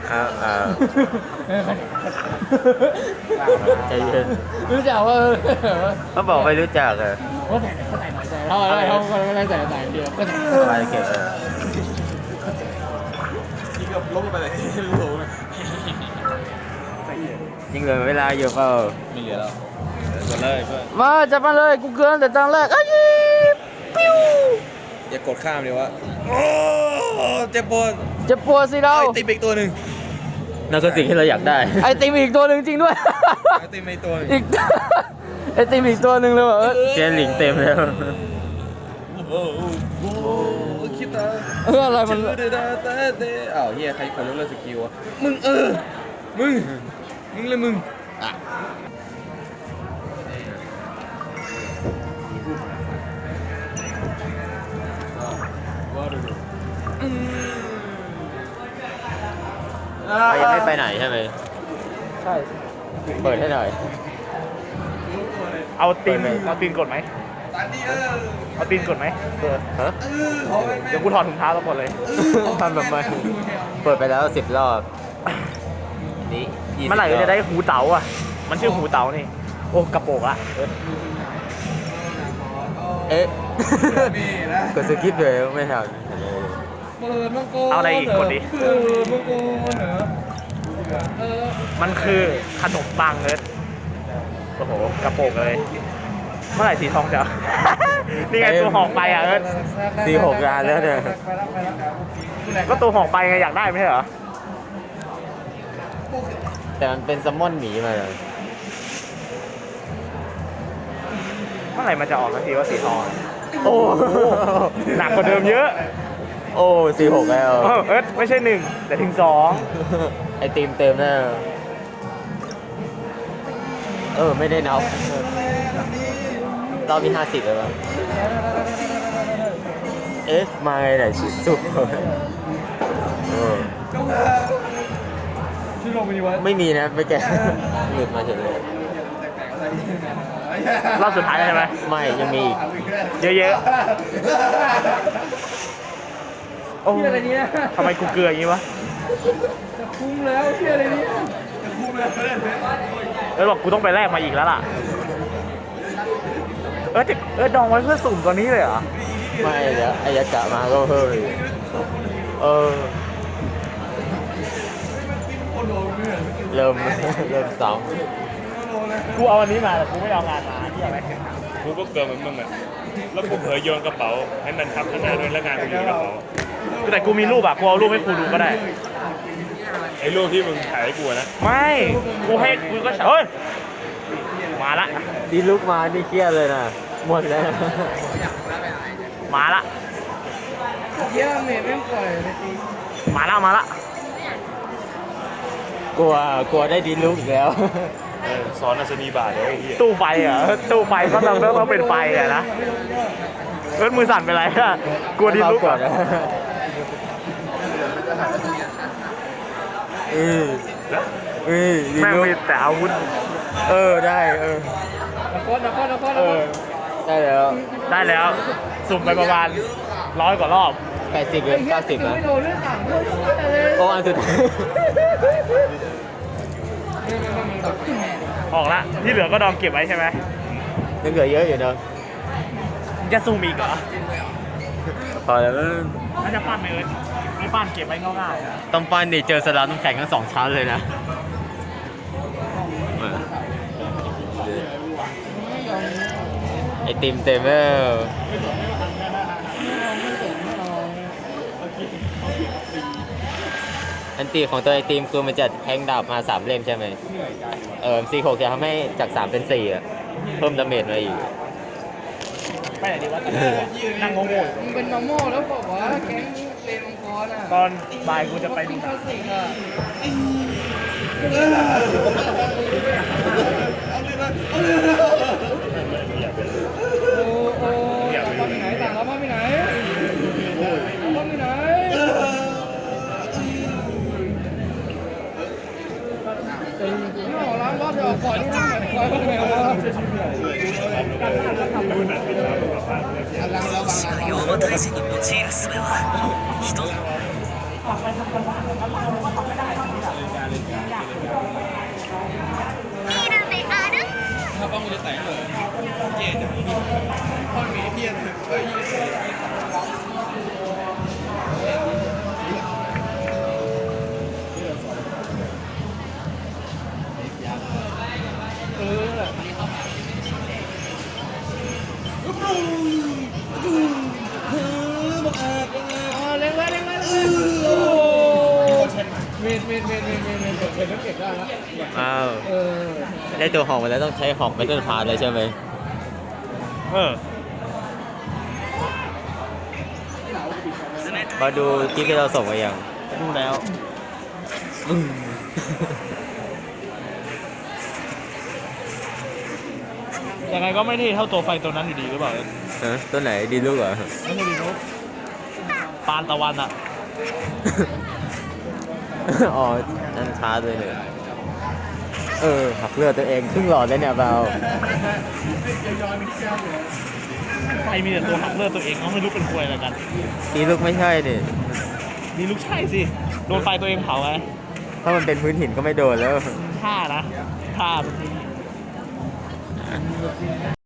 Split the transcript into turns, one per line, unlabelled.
อ้าวใจเย็น
รู้จักว่า
เขาบอกไม่รู้จักเลย
เขาใส่หน่อยใส่เขาไม่ได้ใส่เดียวก็ใส่
ไปเก็บ
ที่เกือบล้มไปเลยรู้ไหม
ยังเหลือเวลาอยู่เปล่า
ไม่เหลือแล้วกดเลยเพื่อน
มาจับมาเลยกูเกินแต่ตั้งแรกอ้ยปิ้ว
อย่ากดข้ามเลยวะโอ้เจ็บปวด
จะปวดสิเรา
ไอติมอีกตัวหนึ่ง
นั่นคือสิ่งที่เราอยากได้ไอติมอีกตัวหนึ่งจริงด้วย
ไอติมอีกตัวหนึ่ง
อีกไอติมอีกตัวหนึ่งเลยว่ะเจนหลิงเต็มแล้ว
โอ้โหคิดตา
อะไรมัน
อ้าวเฮียใครคนยกเลิกสกิลวะมึงมึงเลยมึงอ่ะ
ยังไม่ไปไหนใช่ไหม
ใช่
เปิดให้หน่อย
เอาตีนกดไหมเอาตีนกดไหม
ฮะ
เดี๋ยวกูถอดถุงเท้าทั้งหมดเลย
ทำแบบไม่เปิดไปแล้ว10 รอบนี่20
เมื่อไหร่จะได้หูเต๋าอ่ะมันชื่อหูเต๋านี่โอ้กระโปรงละ
เอ๊ะกดสกิปเลยไม่ทัน
เอาอะไรอีกกดดิมันคือขนมปังเลยโอ้โหกระโปรงเลยเมื่อไหร่สีทองจะ นี่ไงตัวหอกไปอ่ะ
46 ล้านแล้วเนี่ย
ก็ตัวหอกไปไงอยากได้ไม่ใช่เหรอ
แต่มันเป็นแซลมอนหมีมาเลย
เมื่อไหร่มันจะออกสักทีว่าสีทองโอ้หนักกว่าเดิมเยอะ
โอ้46แล้ว
ไม่ใช่1แต่ถึง2
ไอติมเต็มแล้วไม่ได้นับรอบที่50แล้วมั้งเอ๊ะมาไงไหนชิสุดไม่มีนะไม่แกหลุดมาเฉยเลย
รอบสุดท้ายใช่ไหม
ไม่ยังมีอีก
เยอะๆโอ้ทำไมกูเกลืออย่างนี้วะจะคุ้มแล้วเชื่ออะไรนี้บอกกูต้องไปแลกมาอีกแล้วล่ะดองไว้เพื่อสุ่มตัวนี้เลยเหรอ
ไม่เดี๋ยวอายากะมาก็เฮ้ยเริ่มซ้
กูเอาอันนี้มาแต่กูไม่เอางานมาที่อะไร
กูก็เกินเหมือนมึงอ่ะ แล้วกูเผยโยนกระเป๋าให้มันทับข้างหน้าด้วยแล้วงานกูอยู่ในกระเป๋า
แต่กูมีรูปอะกูเอารูปให้กูดูก็ได้
ไอ้รูปที่มึงถ่ายให้กูอะนะ
ไม่กูก็เฮ้ยมาละ
ำดีลุกมานี่เครียดเลยนะหมดแล้ว
มาละมาละ
กลัวได้ดีลุกอีกแล้ว
สอนอัศนีบาทเดี๋ยวไอ้เหี้ย
ตู้ไฟอ่ะตู้ไฟก็ต้องเป็นไฟอ่ะนะมือสั่นไปไรอะกลัวดิลุกอ่ะ
ดี
แม่ง
ลุก
มีแต่อาวุธ
ได้ได้แล้ว
สุ่มไปประมาณ100 กว่ารอบ
80 หรือ 90 นะโอ้อันสุดท้าย
ออกละที่เหลือก็ดองเก็บไว้ใช่ไหม
ยังเหลือเยอะอยู่เนอะ
จะซูมอีกเหรอ
พอแล้ว
น่าจะปั้นไหมไม่ปั้นเก็บไว้ง่ายๆ
ต้องปั้นดิเจอสลัดน้ำแข็งทั้ง2 ชั้นเลยนะไอติมเต็มแล้วอันตีของตัวไอติมคือมันจะแทงดาบมา3 เล่มใช่ไหมC6จะทำให้จาก3เป็น4อะเพิ่มดาเมจมาอีก
ไปไหนดีวะนั่งงงๆ
มึงเป็นมาโม่แล้วบอกว่าแก๊งเลนมังกรอ่ะ
ตอนบ่ายกูจะไปดู
คลาสสิกอ่ะโอ้โหต่างรับไปไหนต่างรับไปไหนรับไปไหนนี่หอร้านรอบจะออกก่อนนี่นะคอยบ้างไหมวะ
作用を大事に用いる術は人
เป็นนักเก็บได้แล้ว
อ้าว
เออ
ได้ตัวหอกมาแล้วต้องใช้หอกเมทัลพาร์เลยใช่ไหม
เออ
มาดูคลิปที่เราส่งไปยัง
ดูแล้วยังไงก็ไม่เท่เท่าตัวไฟตัวนั้นอยู่ดีหรือเปล่า
ฮะตัวไหนดีลูกเหรอ
ไม่ใช่ดีนุ๊กปานตะวันอะ
อ๋อนั่นช้าเลยเนี่ยหักเลือดตัวเองครึ่งหลอดเลยเนี่ยเบา
ไฟมีแต่ตัวหักเลือดตัวเองเขาไม่รู้เป็นควยอะไรกัน
ดีลูกไม่ใช่ดิ
นี่ลูกใช่สิ โดนไฟตัวเองเผาไง
ถ้ามันเป็นพื้นหินก็ไม่โดนแล้ว
ท่านะท่า